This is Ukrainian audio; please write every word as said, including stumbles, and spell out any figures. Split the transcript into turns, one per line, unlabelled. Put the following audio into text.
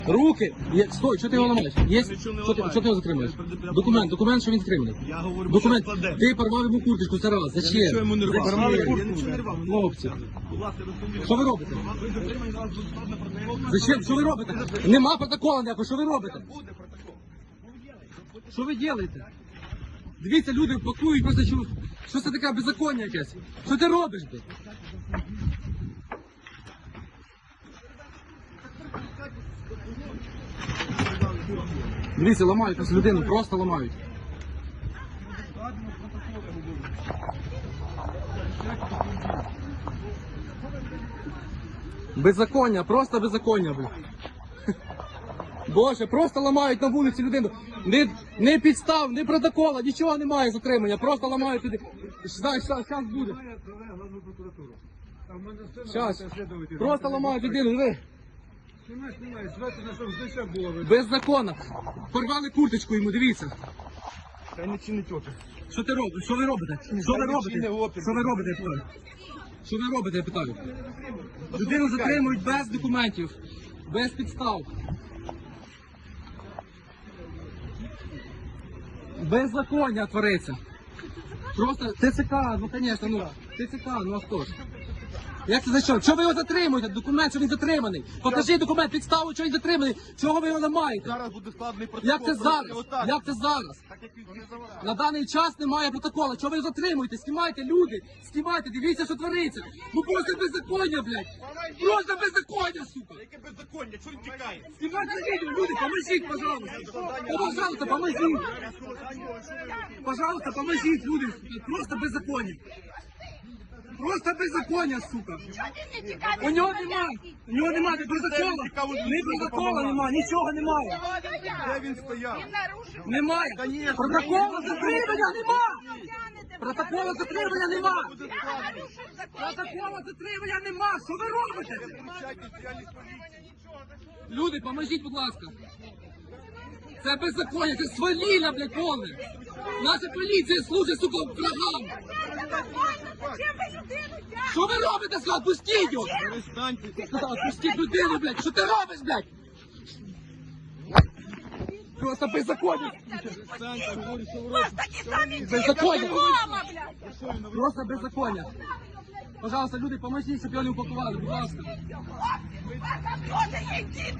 Руки! Є... Стой, що ти його ламаєш? Є... Що ти, що ти його затримуєш? Документ, документ, що він затриманий.
Я говорю,
Документ.
що складе.
Ти порвав йому курточку, це раз.
Я
Зачем?
нічого йому не рвав.
Порвали
Я
куртку.
нічого не рвав.
Хлопці.
Будь ласка, розповідайте.
Що ви робите?
Ви затримані, вас тут складно протокол.
Зачем? Що ви робите? Нема протоколу ніякого, що ви робите?
Буде протокол.
Що ви робите? Дивіться, люди пакують просто, що, що це таке беззаконня якесь? Що ти робиш, блядь? Дивіться, ламають нас людину, просто ламають. Беззаконня, просто беззаконня, блядь. Боже, просто ламають на вулиці людину. Не, не підстав, не протокола, нічого немає затримання, просто ламають людей. Знаєш, зараз буде. Зараз. Просто ламають людину, диви. Беззаконно. Порвали курточку йому, дивіться.
Та не чинить опір.
Що ти робиш? Що ви робите? Що ви робите? Що ви робите, я питаю? Що ви робите, я питаю? Людину затримують без документів, без підстав. Беззаконня твориться. Просто ТЦК, ну звісно, ну, ТЦК, ну а хто ж? Як це за що? Чого ви його затримуєте? Документ, що він затриманий. Покажіть документ, підставу, що він затриманий. Чого ви його ламаєте?
Зараз буде складний протокол.
Як це зараз?
Отак.
Як це зараз?
Так як він не заважає.
На даний час немає протоколу. Чого ви його затримуєте? Знімайте, люди, знімайте, дивіться, що твориться. Ну просто беззаконня, блядь. Просто беззаконня, сука.
Яке беззаконня? Чого він тікає?
Знімайте відео, люди, поможіть, пожалуйста. Пожалуйста, поможіть. Пожалуйста, поможіть, люди. Просто беззаконня. Просто беззаконня, сука. У нього нема, у нього нема ні протокола, ні протокола нема, нічого немає.
Де він стояв?
Немає.
Конечно.
Протоколу затримання нема. Протоколу затримання нема. Протоколу затримання нема. Що ви робите? Люди, поможіть, будь ласка. Це беззаконня, це свавілля, блядь, повне. Наша поліція служить, сука, врагам. Що ви робите, сказав? Пустіть його!
Перестаньте.
Сказав, пустіть людину, блядь! Що ти робиш, блядь? Просто беззаконня!
Перестаньте, говорю, що ви
У вас такі самі
Беззаконня!
діти, мама, блядь!
Просто беззаконня! Пожалуйста, люди, поможіть, щоб його не упакували, будь ласка.
У вас там теж є діти!